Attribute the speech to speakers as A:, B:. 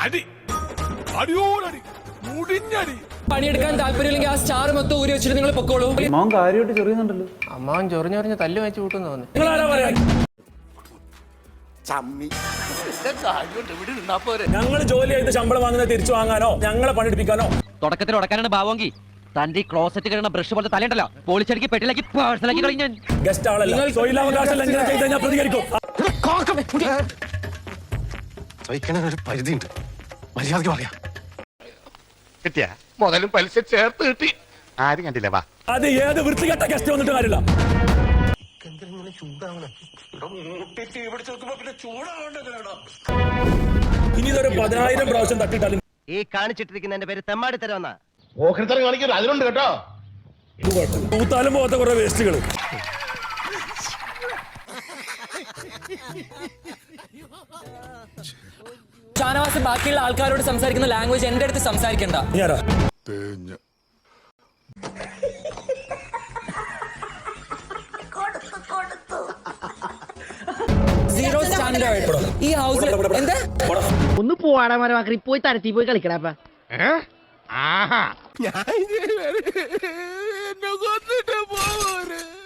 A: അടി അടിയോടടി മുടിഞ്ഞടി.
B: പണിയെടുക്കാൻ താല്പര്യമില്ലെങ്കിൽ ആ സ്റ്റാർ മൊത്തം ഊരി വെച്ചിട്ട് നിങ്ങൾ പൊക്കോളൂ.
C: അമ്മാവൻ കാര്യമായിട്ട് ചെറിയുന്നുണ്ടല്ലോ.
B: അമ്മാവൻ ചൊറിഞ്ഞൊറിഞ്ഞ് തല്ലു വെച്ച് കൂട്ടുന്നു തോന്നി.
D: ഞങ്ങൾ ജോലി ചെയ്ത് ശമ്പളം വാങ്ങുന്നത് തിരിച്ചു വാങ്ങാനോ ഞങ്ങളെ പണിയെടുപ്പിക്കാനോ?
E: തുടക്കത്തിൽ ഉടക്കാനാണ് ഭാവമെങ്കിൽ തന്റെ ക്ലോസറ്റ് കഴിയുന്ന ബ്രഷ് പോലത്തെ തലയുണ്ടല്ലോ പോളിച്ചടിക്ക് പെട്ടിലാക്കി പേഴ്സണലാക്കി കളഞ്ഞാൽ
D: ഗസ്റ്റ് ആളല്ല. തൊഴിലവകാശം ലംഘനം ചെയ്ത് കഴിഞ്ഞാൽ പ്രതികരിക്കും.
F: ഒരു പരിധിയുണ്ട്. മര്യാദക്ക് പറയാം.
A: കിട്ടിയ മുതലും പലിശ ചേർത്ത് കിട്ടി. ആരും കണ്ടില്ല. വാ,
D: അത് ഏത് വൃത്തികെട്ട ഗസ്റ്റ് വന്നിട്ട് കാര്യമില്ല. ഇനി ഇതൊരു 10,000 പ്രാവശ്യം തട്ടിയിട്ടാലും
E: ഈ കാണിച്ചിട്ടിരിക്കുന്നതിന്റെ പേര് തെമ്മാടി തരവെന്നാ.
A: ഓഹരിത്തരം കാണിക്കരുത്, അതിലുണ്ട് കേട്ടോ.
D: തൂത്താലും പോകാത്ത കുറെ വേസ്റ്റുകൾ.
B: ഷാനവാസ് ബാക്കിയുള്ള ആൾക്കാരോട് സംസാരിക്കുന്ന ലാംഗ്വേജ് എന്റെ അടുത്ത് സംസാരിക്കണ്ട. സീറോ സ്റ്റാൻഡേർഡ് ഈ ഹൗസിൽ. എന്താ
G: ഒന്ന് പോവാടാ മരമാക്കി പോയി തരത്തി പോയി കളിക്കടാ.
A: ഞാൻ